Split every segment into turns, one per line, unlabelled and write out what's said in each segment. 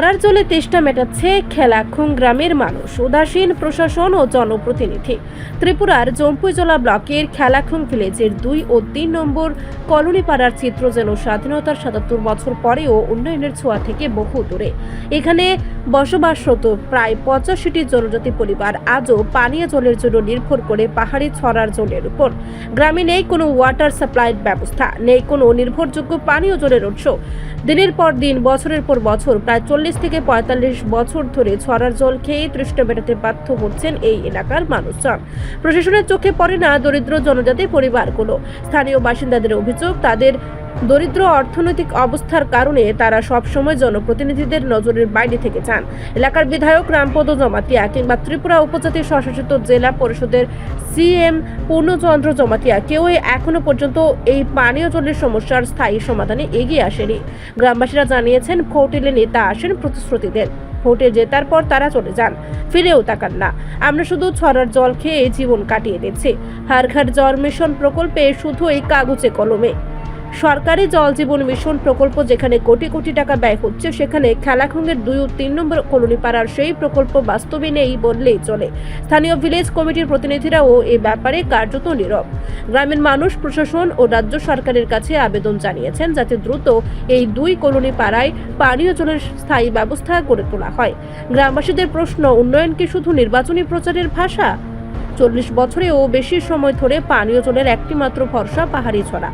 ছড়ার জলে তেষ্টা মেটাচ্ছে খেলাখুং গ্রামের মানুষ, উদাসীন প্রশাসন ও জনপ্রতিনিধি। ত্রিপুরার জম্পুইজলা ব্লকের খেলাখুং ভিলেজের 2 ও 3 নম্বর কলোনি পাড়ার চিত্র যেন স্বাধীনতার 77 বছর পরেও উন্নয়নের ছোঁয়া থেকে বহু দূরে। এখানে বসবাসরত প্রায় 85টি জনজাতি পরিবার আজও পানীয় জলের জন্য নির্ভর করে পাহাড়ি ছড়ার জলের উপর। গ্রামে নেই কোনো ওয়াটার সাপ্লাইয়ের ব্যবস্থা, নেই কোনো নির্ভরযোগ্য পানীয় জলের উৎস। দিনের পর দিন, বছরের পর বছর, প্রায় 40 থেকে 45 বছর ধরে ছড়ার জল খেয়ে তৃষ্ণা মেটাতে বাধ্য হচ্ছেন এই এলাকার মানুষজন। প্রশাসনের চোখে পড়ে না দরিদ্র জনজাতি পরিবারগুলো। স্থানীয় বাসিন্দাদের অভিযোগ, তাদের দরিদ্র অর্থনৈতিক অবস্থার কারণে তারা সবসময় জনপ্রতিনিধিদের নজরের বাইরে থেকে যান। এলাকার বিধায়ক রামপদ জমাতিয়া কিংবা ত্রিপুরা উপজাতি স্বশাসিত জেলা পরিষদের সিএম পূর্ণচন্দ্র জমাতিয়া কেউই এখনো পর্যন্ত এই পানীয় জলের সমস্যার স্থায়ী সমাধানে এগিয়ে আসেনি। গ্রামবাসীরা জানিয়েছেন, ভোট এলে নেতা আসেন প্রতিশ্রুতি দেন, ভোটে জেতার পর তারা চলে যান, ফিরেও তাকান না। আমরা শুধু ছড়ার জল খেয়ে জীবন কাটিয়ে দিচ্ছি। হর ঘর জল মিশন প্রকল্পে শুধু এই কাগজে কলমে। সরকারি জল জীবন মিশন প্রকল্প যেখানে কোটি কোটি টাকা ব্যয় হচ্ছে, সেখানে খেলাখুংয়ের 2 ও 3 নম্বর কলোনি পাড়ার সেই প্রকল্প বাস্তবে নেই বললেই চলে। স্থানীয় ভিলেজ কমিটির প্রতিনিধিরাও এই ব্যাপারে কার্যত নীরব। গ্রামের মানুষ প্রশাসন ও রাজ্য সরকারের কাছে আবেদন জানিয়েছেন যাতে দ্রুত এই 2 কলোনি পাড়ায় পানীয় জলের স্থায়ী ব্যবস্থা গড়ে তোলা হয়। গ্রামবাসীদের প্রশ্ন, উন্নয়ন কি শুধু নির্বাচনী প্রচারের ভাষা? 40 বছরেও বেশি সময় ধরে পানীয় জলের একটি মাত্র ভরসা পাহাড়ি ছড়া,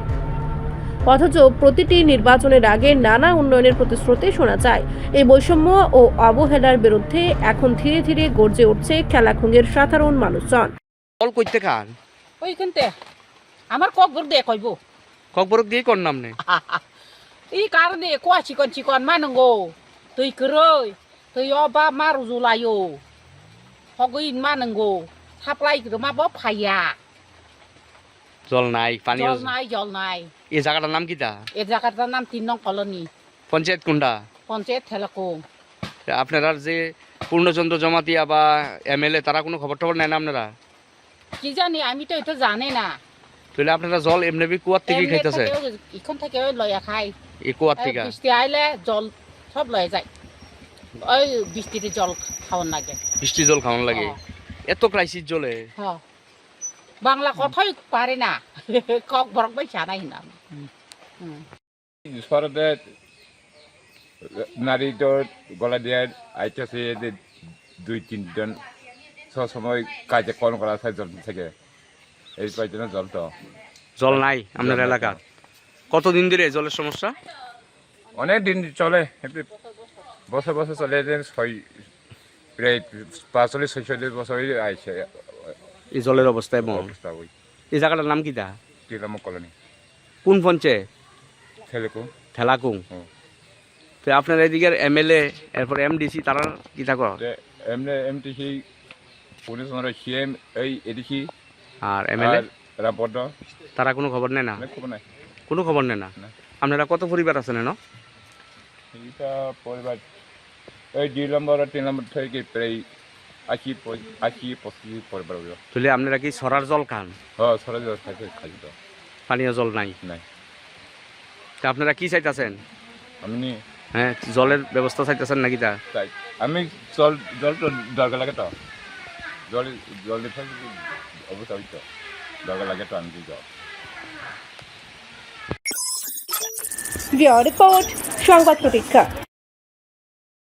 অথচ প্রতিটি নির্বাচনের আগে নানা উন্নয়নের প্রতিশ্রুতি শোনা যায়। এই বৈষম্য ও অবহেলার বিরুদ্ধে এখন ধীরে ধীরে গর্জে উঠছে খেলাখুংয়ের সাধারণ মানুষজন।
কল কইতে খান
ওইখানতে আমার ককবর দিয়ে কইব
ককবরক দিয়ে কোন নাম নে
এই কারণে কোয়া চিকন মানঙ্গো তুই করই তুই অবা মারু জুলাইও হগইন মানঙ্গো সাপ্লাই করে মা বাপ ফাইয়া
জল নাই পানি
জল নাই
এই জায়গাটার নাম কিটা?
এই জায়গাটার নাম 3 নং কলোনি,
পঞ্চায়েত কোনটা?
পঞ্চায়েত খেলাখুং।
আপনারা যে পূর্ণচন্দ্র জমাতিয়া বা এমএলএ তারা কোনো খবর টবর নেয় না আপনারা?
কি জানি, আমি তো এটা জানি না।
তাহলে আপনারা জল এমনি কুয়ার থেকে খাইতেছে?
এখন থেকে লয়া খাই
এই কুয়ার থেকে
বৃষ্টি আইলে জল সব লয়ে যায়। ওই বৃষ্টিতে জল খাওয়ার লাগে,
বৃষ্টি জল খাওয়ান লাগে। এত ক্রাইসিস জলে
বাংলা কথাই পারে না, কক বরক বাই জানাই না।
সরদে নারী গলা দিয়ে আইতেছে 2-3 জন সবসময় কাজে কল করা হয় জল থেকে। এই কয়েকজন
জল নাই আপনার এলাকা? কতদিন ধরে জলের সমস্যা?
অনেক দিন চলে, বছর বছর চলে। প্রায় 45-46 বছর আইছে
এই জলের অবস্থা এমন
অবস্থা। ওই
এই জায়গাটার নাম কিটা?
3 নম্বর কলোনি,
কোন পঞ্চায়েত?
খেলাখুং।
তো আপনার এদিকের এমএলএ এরপর এমডিসি তারা কি থাকো?
এমটিসি পূর্ণচন্দ্র সিএম এই এডিসি
আর এমএলএ
রামপদ
তারা কোনো খবর নেয় না?
খবর নাই,
কোনো খবর নেয় না। আপনারা কত পরিবার আছেন?
এইটা পরিবার এই 2 নম্বর আর 3 নম্বর থেকে প্রায় 80-85 পরিবার।
তাহলে আপনারা কি সরার জল খান?
হ্যাঁ, সরার জল খাই তো,
পানীয় জল নাই। তা আপনারা কি চাইতেছেন?
আমি
হ্যাঁ, জলের ব্যবস্থা চাইতেছেন নাকি? তা
চাই আমি জল তো দরকার লাগে, তো জল দিতে অবস্থা হইতো দরকার লাগে, তো আমি জল।
রিপোর্ট সংবাদ প্রতীক্ষা।